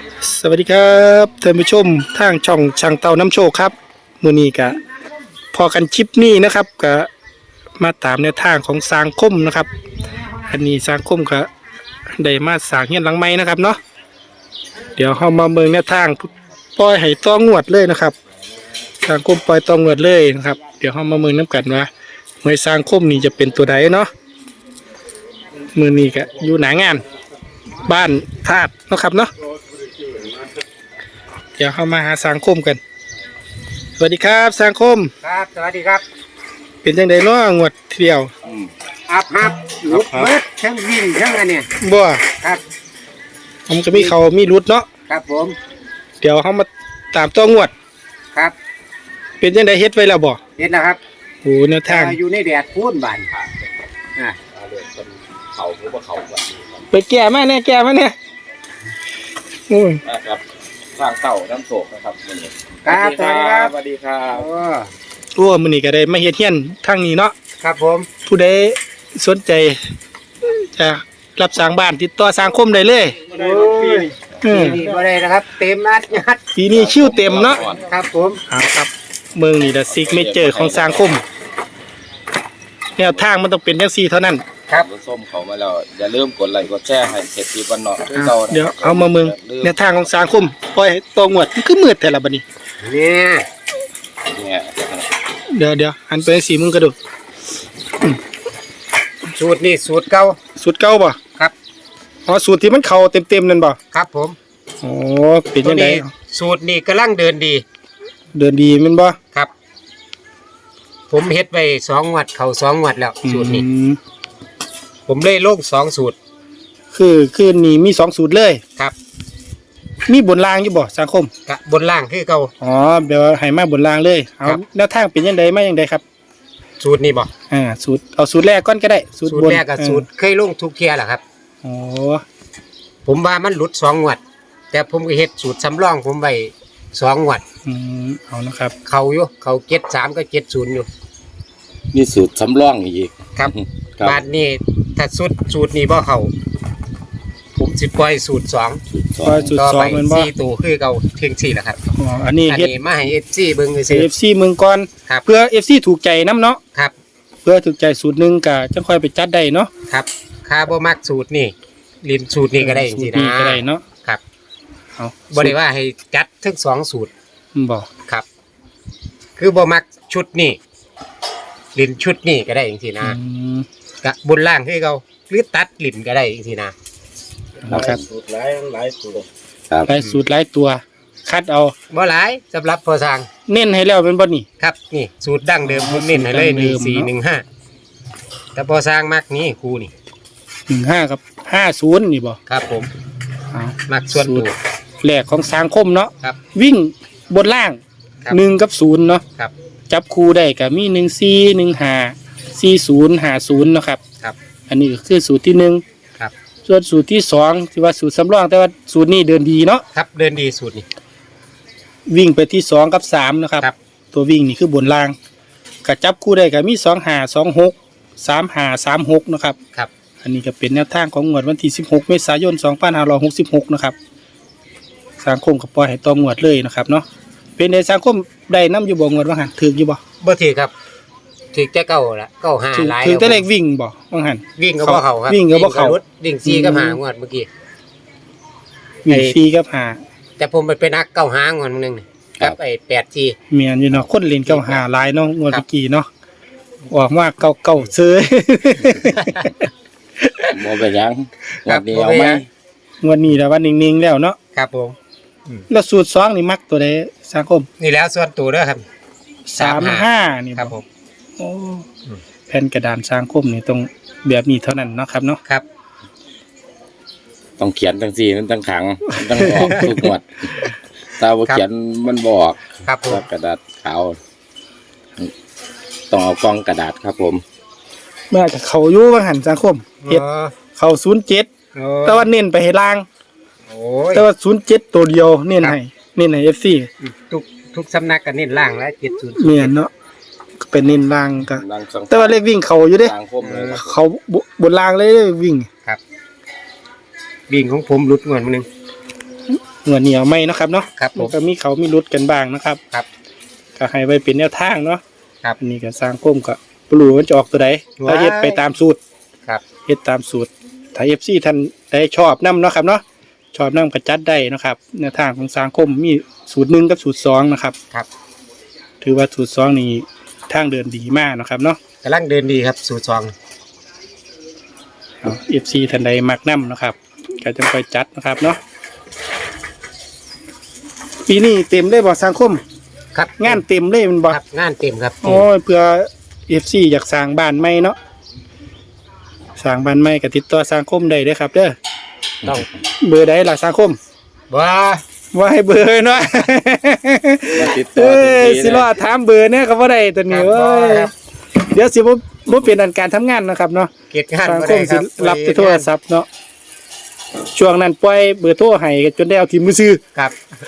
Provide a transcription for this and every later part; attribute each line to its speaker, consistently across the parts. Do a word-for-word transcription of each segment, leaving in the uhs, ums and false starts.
Speaker 1: สวัสดีครับท่านผู้ชมทางช่องช่างเต่าน้ำโชคครับมื้อนี้ก็พอกันคลิปนี้นะครับก็มาตามแนวทางของสร้างคมนะครับอันนี้สร้างคมก็ได้มาสร้างเฮียนหลังใหม่นะครับเนาะเดี๋ยวเฮามาเบิ่งแนวทางปล่อยให้ต้องงวดเลยนะครับสร้างคมปล่อยต้องงวดเลยนะครับเดี๋ยวเฮามาเบิ่งนํกันว่าหวยสร้างคมนี่จะเป็นตัวใดเนาะมื้อนี้ก็อยู่หน้างานบ้านธาตุเนาะครับเนาะเดี๋ยวเข้ามาหาสังคมกันสวัสดีครับสังคม
Speaker 2: ครับสวัสดีครับ
Speaker 1: เป็นจังได๋เนาะงวดเที่ยว
Speaker 2: อับฮับลุกเบิดทั้งวิ่งทั้งอันเนี่ย
Speaker 1: บ่
Speaker 2: ครับ
Speaker 1: ผมก็มีเขามีรุดเนาะ
Speaker 2: ครับผม
Speaker 1: เดี๋ยวเฮามาตามตัวงวด
Speaker 2: ครับ
Speaker 1: เป็นจังได๋เฮ็ดไว้แล้วบ่
Speaker 2: เฮ็ดแล้วครับ
Speaker 1: โอ้แนวทาง
Speaker 2: อยู่ในแดดพูนบานอ่า
Speaker 3: เขาหรือว่าเขาแบบ
Speaker 1: ไปแก้มาแน่แก้มาแน่โอ้ย
Speaker 3: นะครับสร้างเต่าน้ำโศกนะครับมื้อนี้
Speaker 2: ครับสวัสดีครับ
Speaker 3: สวัสดีครับ
Speaker 1: โอ้มื้อนี้ก็ได้มาเฮ็ดเฮียนทางนี้เนาะ
Speaker 2: ครับผม
Speaker 1: ผู้ใดสนใจจะรับสร้างบ้านติดต่อสังคมได้เลย
Speaker 2: โอ้ยนี่บ่ได้นะครับเต็มนัดยัด
Speaker 1: ปีนี้คิวเต็มเนาะ
Speaker 2: ครับผม
Speaker 1: ครับเมืองนี่ละซิกเมเจอร์ของสังคมแนวทางมันต้องเป็นจังซี่เท่านั้น
Speaker 3: ครับส้มเขามาแล้วอย่าลืมกดไลค์กดแชร์ให้เสร็จที่วันเนาะ
Speaker 1: เดี๋ยวเอามาเมืองแนวทางของสังคมปล่อยตองวดมันคือมืดแต่ละบัดนี้
Speaker 2: เนี่ย
Speaker 3: เนี่ย
Speaker 1: เดี๋ยวเดี๋ยวหันไปสีมึงกระโดด
Speaker 2: สูตรนี่สูตรเก่า
Speaker 1: สูตรเก่าป่ะ
Speaker 2: ครับ
Speaker 1: อ๋อสูตรที่มันเข่าเต็มๆนั่นป่ะ
Speaker 2: ครับผม
Speaker 1: โอ้เป็นยังไง
Speaker 2: สูตรนี่กำลังเดินดี
Speaker 1: เดินดีมันป่ะ
Speaker 2: ครับผมเฮ็ดไปสองงวดเข่าสองงวดแล้วสูตรนี้ผมเลยลงสองสูตร
Speaker 1: คือคือนี่มีสองสูตรเลย
Speaker 2: ครับ
Speaker 1: มีบนล่างอยู่บ่สังคม
Speaker 2: กับบนล่างคือเก่า
Speaker 1: อ๋อเดี๋ยวให้มาบนล่างเลยเอาแล้วทางเป็นยังไงมายังไงครับ
Speaker 2: สูตรนี้บ่
Speaker 1: อ่าสูตรเอาสูตรแรกก่อนก็ได้
Speaker 2: สูตรแรกกับสูตรเคยลงทุกเที่ยแหละครับ
Speaker 1: อ๋อ
Speaker 2: ผมว่ามันหลุดสองงวดแต่ผมก็เฮ็ดสูตรสำรองผมไว้สองงวด
Speaker 1: อืมเอานะครับ
Speaker 2: เขาอยู่เขาเจ็ดสามก็เจ็ดศูนย์อยู่
Speaker 3: นี่สูตรสำรองอีก
Speaker 2: ครับบาทนี้ถ้าสูตรสูตรนี้บ่เขาผมสิปล่อยสูตรสอง
Speaker 1: ปล่อยสูตรสองมันบ่
Speaker 2: สี่ตัวคือเก่าเพียงสี่แหละครับ
Speaker 1: อ๋ออันนี้เฮ็ด
Speaker 2: มาให้ เอฟ ซี เบิ่งซื่อ
Speaker 1: เอฟ ซี มึงก่อนเพื่อ เอฟ ซี ถูกใจนำเนาะ
Speaker 2: ครับ
Speaker 1: เพื่อถูกใจสูตรนึงก็จังค่อยไปจัดได้เนาะ
Speaker 2: ครับค่าบ่มักสูตรนี่ลินสูตรนี้ก็ได้จังซี่นะ
Speaker 1: ก็ได้เนาะ
Speaker 2: ครับเอาบ่ได้ว่าให้จัดทั้งสองสูตร
Speaker 1: บ่
Speaker 2: ครับคือบ่มักชุดนี้ลินชุดนี้ก็ได้จังซี่นะกะบนล่างคือเก่าหรือตัดลิ้นก็ได้จังซี่นะครับ
Speaker 3: สูตรหลายหลายตัว
Speaker 1: หลายสูตรหลายตัวคัดเอา
Speaker 2: บ่หลายสำหรับพอสร้าง
Speaker 1: เน้นให้แล้วเป็นบ่นี่
Speaker 2: ครับนี่สูตรดั้งเดิมผมเน้นให้เลยหนึ่งสี่หนึ่งห้าแต่พอสร้างมักนี่ครูนี่
Speaker 1: หนึ่งห้ากับห้าศูนย์นี่บ่
Speaker 2: ครับผมมักส่วนตัว
Speaker 1: แหลกของสังคมเนาะ
Speaker 2: ครับ
Speaker 1: วิ่งบนล่างหนึ่งกับศูนย์เนาะ
Speaker 2: ครับ
Speaker 1: จับคู่ได้กับมีหนึ่งสี่หนึ่งห้าสี่ศูนย์ห้าศูนย์เนาะครับ
Speaker 2: ครับ
Speaker 1: อันนี้ก็คือสูตรที่หนึ่ง
Speaker 2: ครับ
Speaker 1: ส่วนสูตรที่สองที่ว่าสูตรสำรองแต่ว่าสูตรนี้เดินดีเนาะ
Speaker 2: ครับเดินดีสูตรนี้
Speaker 1: วิ่งไปที่สองกับสามนะครับตัววิ่งนี่คือบนล่างกับจับคู่ได้กับมีสองห้าสองหกสามห้าสามหกนะครับ
Speaker 2: ครับ
Speaker 1: อันนี้ก็เป็นแนวทางของงวดวันที่สิบหกเมษายนสองพันห้าร้อยหกสิบหกนะครับสังคมกับปล่อยให้ต่องวดเลยนะครับเนาะเป็นในสังคมได้น้ำอยู่บ่งวดว่าหันถืออยู่บ่
Speaker 2: บ่ถือครับถือแค่เก้าละเก้าห้าหลาย
Speaker 1: ถือแต่เลขวิ่งบ่ว่าหัน
Speaker 2: วิ่งก็บ่เขาครับ
Speaker 1: วิ่งก็บ่เขา
Speaker 2: วิ่งซีกับหางวดเมื่อกี้
Speaker 1: วิ่งซีกับหา
Speaker 2: แต่ผมไปนักเก้าหางวดนึงกับไอ้แปดจี
Speaker 1: เมียนอยู่เนาะคนเล่นเก้าหาหลายเนาะงวดเมื่อกี้เนาะออกมาเก้าเก้าเซ้ย
Speaker 3: บ่เป็นยังงวดนี้เอาไหม
Speaker 1: งวดนี้แล้วว่านิ่งๆแล้วเนาะ
Speaker 2: ครับผม
Speaker 1: แล้วสูตรสองนี่มักตัวใดสังคม
Speaker 2: นี่แล้วส่วนตัวเด้อครับ
Speaker 1: สามห้านี่
Speaker 2: ครับผม
Speaker 1: โอ้แผ่นกระดานสังคมนี่ต้องแบบนี้เท่านั้นเนาะครับเนาะ
Speaker 3: ครับต้องเขียนตั้งสี่มันตั้งขังตั้งออกทุกงวดตาบ่เขียนมันบอก
Speaker 2: ครับผม
Speaker 3: กระดาษขาวต้องเอากล้องกระดาษครับผม
Speaker 1: เมื่อจะเขาอยู่ว่าหันสังคมเฮ็ดเขาศูนย์เจ็ดแต่ว่าเน้นไปให้ล่างแต่ว่าศูนย์เจ็ดตัวเดียวเน้นให้เน้นให้เอฟซี
Speaker 2: ทุกทุกสำนักก็เน้นล่างแล้วเจ็ดศูนย์
Speaker 1: เนียนเนาะเป็นเน้นล่างก็แต่ว่าเลขวิ่งเขาอยู่เด้เขาบนล่างเลยวิ่ง
Speaker 2: ครับวิ่งของผมหลุดเงินมาหนึ่ง
Speaker 1: หัวเหนียวไหมเนาะครับเนาะ
Speaker 2: ครับผม
Speaker 1: นก็มีเขามีรุดกันบ้างนะครับ
Speaker 2: ครับ
Speaker 1: ก็ให้ไว้เป็นแนวทางเนาะ
Speaker 2: ครับ
Speaker 1: อันนี่ก็สร้างคมก็ปลูมันจะออกตัวใด
Speaker 2: ว้าย
Speaker 1: ถ้าเฮ็ดไปตามสูตร
Speaker 2: ครับ
Speaker 1: เฮ็ดตามสูตรถ้า เอฟ ซี ท่านได้ชอบนํเนาะครับเนาะชอบนํก็จัดได้เนาะครับแนวทางของสร้างคมมีสูตรหนึ่งกับสูตรสองนะครับ
Speaker 2: ครับ
Speaker 1: ถือว่าสูตรสองนี่ทางเดินดีมากเนาะครับเนาะ
Speaker 2: กำลังเดินดีครับสูตรสอง
Speaker 1: เอา เอฟ ซี ท่านใดมักนํนะครับก็จะค่อยจัดนะครับเนาะปีนี้เต็มเลยบ่สังคม
Speaker 2: ครับ
Speaker 1: งานเต็มเลยมันบ่
Speaker 2: ครับงานเต็มครับ
Speaker 1: โอ้ยเพื่อ เอฟ ซี อยากสร้างบ้านใหม่เนาะสร้างบ้านใหม่ก็ติดต่อสังคมได้เด้อครับเด้อ
Speaker 2: ต้อง
Speaker 1: เบอร์ใดล่ะสังคม
Speaker 2: ว่า
Speaker 1: ว่าให้เบอร์เนาะ
Speaker 3: มาติดต่
Speaker 1: เอ้
Speaker 3: อทันที
Speaker 1: ยสิรอ
Speaker 3: นะ
Speaker 1: ถามเบอร์เนี่ยก็บ่ได้ตัวนี้
Speaker 2: ครับ
Speaker 1: เว้ย
Speaker 2: ครับ
Speaker 1: เดี๋ยวสิบ่บ่เป็นอันการทำงานนะครับเนาะ
Speaker 2: เกียรติงาน
Speaker 1: สัง
Speaker 2: บ่
Speaker 1: ค
Speaker 2: ได้
Speaker 1: ม
Speaker 2: ค
Speaker 1: สิ
Speaker 2: รับ
Speaker 1: รับแต่โทรศัพท์เนาะช่วงนั้นปล่อยเบอร์โทรให้จนได้เอาทิมมือซื้อ
Speaker 2: ครับ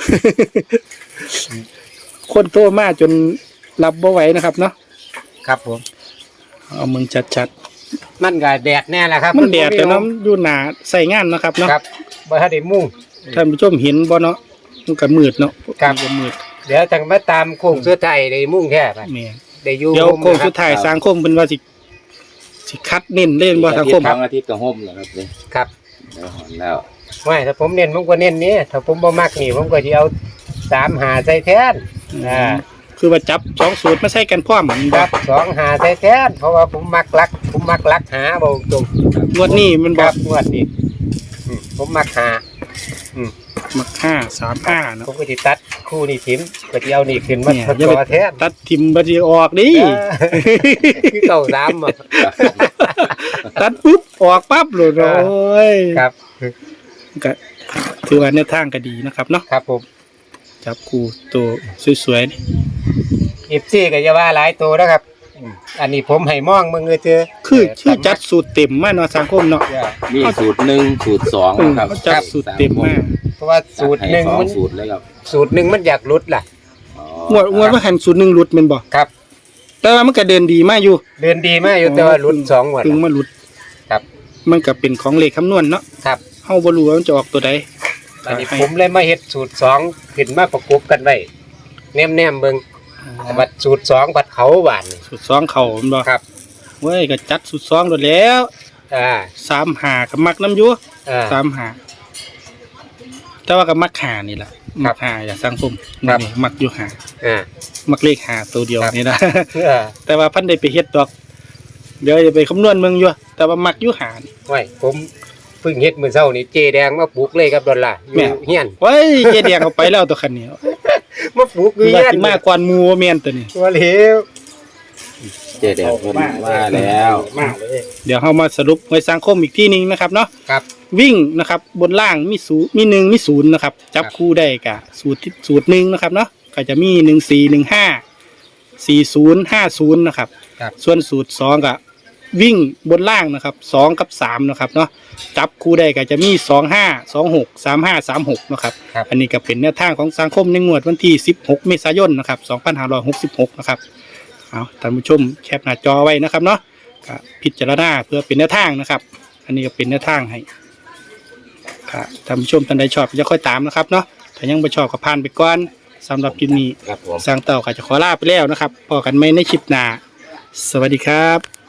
Speaker 1: คนโทรมาจนรับบ่ไหวนะครับเนาะ
Speaker 2: ครับผม
Speaker 1: เอามึงชัด
Speaker 2: มันก็แดดแน่แหละครับ
Speaker 1: ๆมันแดดแต่
Speaker 2: บ่
Speaker 1: เนาะอยู่หน้าใส่งานเนาะครับเนาะ
Speaker 2: ครับบ่ทันได้มุ่ง
Speaker 1: ท่านผู้ชมเห็นบ่เนาะมันก็มืดเนาะ
Speaker 2: ครับ
Speaker 1: มันก็มืด
Speaker 2: เดี๋ยวจังมาตามโค้งสุดท้ายได้มุ่งแท้ไป
Speaker 1: แม่น
Speaker 2: ได้อยู่
Speaker 1: เดี๋ยวโค้งสุด
Speaker 2: ท้าย
Speaker 1: ท้ายสังคมเพิ่นว่าสิสิคัดเน้นเล่นบ่สังคม
Speaker 3: ทั้งอาทิตย์ก็ห่มแล้วครับเลย
Speaker 2: ครับ
Speaker 3: เดี๋ยวหอนแล้ว
Speaker 2: ไม่ถ้าผมเน้นผมก็เน้นนี้ถ้าผมบ่มักนี่ผมก็สิเอาสามหาใส่แทนอ่า
Speaker 1: คือว่าจับสองสูตรมาใส่กันพร้อมมัน
Speaker 2: ค
Speaker 1: บ่
Speaker 2: รับสองหาใส่แทนเพราะว่าผมมักลัก ผมมักลักหาบ่ตรง
Speaker 1: งวดนี้มัน
Speaker 2: ค
Speaker 1: บอ
Speaker 2: รั
Speaker 1: ก
Speaker 2: บงวดนี้อืมผมมักหา
Speaker 1: มักห้าสามห้าเนาะ
Speaker 2: ผมก็สิตัดคู่นี่ทิมก็สิเอานี่ขึ้นมา
Speaker 1: เนี่ย
Speaker 2: ทด
Speaker 1: อย่า
Speaker 2: ต่
Speaker 1: ไป
Speaker 2: อแทน
Speaker 1: ตัดทิมบัดนี้ออกดิ
Speaker 2: เออคือเก่าสามอ่ะ
Speaker 1: ตัดปุ๊บออกปั๊บเลยโอ้ย
Speaker 2: ครับ
Speaker 1: ก็ถือว่าแนวทางก็ดีนะครับเนาะ
Speaker 2: ครับผม
Speaker 1: จับคู่ตัวสวยๆนี่
Speaker 2: อีฟซี่ก็จะว่าหลายตัวนะครับอืมอันนี้ผมให้มองมึงเลยเจอ
Speaker 1: คือคือจัดสูตรเต็มมาเนาะสังคมเนาะ
Speaker 3: มีสูตรหนึ่งสูตรสอง
Speaker 1: อืม
Speaker 3: ครับ
Speaker 1: เขาจัดสูตรเต็มมา
Speaker 2: เพราะว่าสูตรหนึ่ง
Speaker 3: ให้สอ
Speaker 2: มัน
Speaker 3: สูตรเลยครับ
Speaker 2: สูตรหนึ่งมันอยากหลุดล่ะ
Speaker 3: อ๋อง
Speaker 1: วดงวดว่าหันสูตรหนึ่งหลุดแมันบ่
Speaker 2: ครับ
Speaker 1: แต่ว่ามันก็เดินดีมากอยู่
Speaker 2: เดินดีมากอยู่แต่ว่าหลุดสองงวด
Speaker 1: ถึง
Speaker 2: ล่ะ
Speaker 1: มาหลุด
Speaker 2: ครับ
Speaker 1: มันก็เป็นของเลขคำนวณเนาะ
Speaker 2: ครับ
Speaker 1: เฮาบ่รู้ว่ามันจะออกตัวใด
Speaker 2: อันนี้ผมเลยมาเฮ็ดสูตรสองขึ้นมาประกบกันไว้แนมๆเบิ่งแต่ว่าสูตรสองบัดเขาหวานนี่
Speaker 1: สูตรสองเขาแม่นบ่
Speaker 2: ครับ
Speaker 1: เว้ยก็จัดสูตรสองโดดแล้ว
Speaker 2: อ่า
Speaker 1: สามหากับมักน้ำอยัว
Speaker 2: อ่า
Speaker 1: สามหาแต่ว่ากับมักหานี่แหละ
Speaker 2: ครั
Speaker 1: มั
Speaker 2: บ
Speaker 1: กหาอย่าสังคม
Speaker 2: ครับ
Speaker 1: นี่มักอยู่หา
Speaker 2: อ่า
Speaker 1: มักเลขหาตัวเดียว
Speaker 2: ครับ
Speaker 1: นี่นะ
Speaker 2: เออ
Speaker 1: แต่ว่าพันได้ไปเฮ็ดดอก เดี๋ยวจะไปคำนวณเมืองอยู่แต่ว่ามักอยู่หานี่
Speaker 2: ไว้ผมเพิ่งเฮ็ดมื้อเช้านี่เจแดงมาปลูกเลยครับดอลลาร์อ
Speaker 1: แม่
Speaker 2: ยู่เฮียน
Speaker 1: เว้ยเจเดียงเอาไปแล้วตัวคันนี้
Speaker 2: มาปลูกอยู่
Speaker 1: ว่า
Speaker 2: เฮียน
Speaker 1: สิมากกว่าหมู่ว่าแม่นตัวนี้
Speaker 2: ว่าเหลว
Speaker 3: เจเด็กคนว่าแล้ว
Speaker 2: มากเลย
Speaker 1: เดี๋ยวเฮามาสรุปไว้สังคมอีกที่หนึงนะครับเนาะ
Speaker 2: ครับ
Speaker 1: วิ่งนะครับ บนล่างมีศูนย์มีหนึ่งมีศูนย์นะครับ จับ
Speaker 2: ครับ
Speaker 1: คู่ได้กับสูตรที่สูตรหนึ่งนะครับเนาะก็จะมีหนึ่งสี่หนึ่งห้าสี่ศูนย์ห้าศูนย์นะครับ
Speaker 2: ครับ
Speaker 1: ส่วนสูตรสองกับวิ่งบนล่างนะครับสองกับสามนะครับเนาะจับคู่ได้ก็จะมีสองห้าสองหกสามห้าสามหกนะครับ
Speaker 2: ครับ
Speaker 1: อันนี้ก็เป็นแนวทางของสังคมในงวดวันที่สิบหกเมษายนนะครับสองพันห้าร้อยหกสิบหกนะครับเอาท่านผู้ชมแคปหน้าจอไว้นะครับเนาะก็พิจารณาเพื่อเป็นแนวทางนะครับ อันนี้ก็เป็นแนวทางให้ครับท่านผู้ชมท่านใดชอบจะค่อยตามนะครับเนาะถ้ายังไม่ชอบก็ผ่านไปก่อนสำหรับคลิปนี้
Speaker 2: ครับผม
Speaker 1: สร้างเต่าก็จะขอลาไปแล้วนะครับพอกันไหมในคลิปหน้าสวัสดีครับ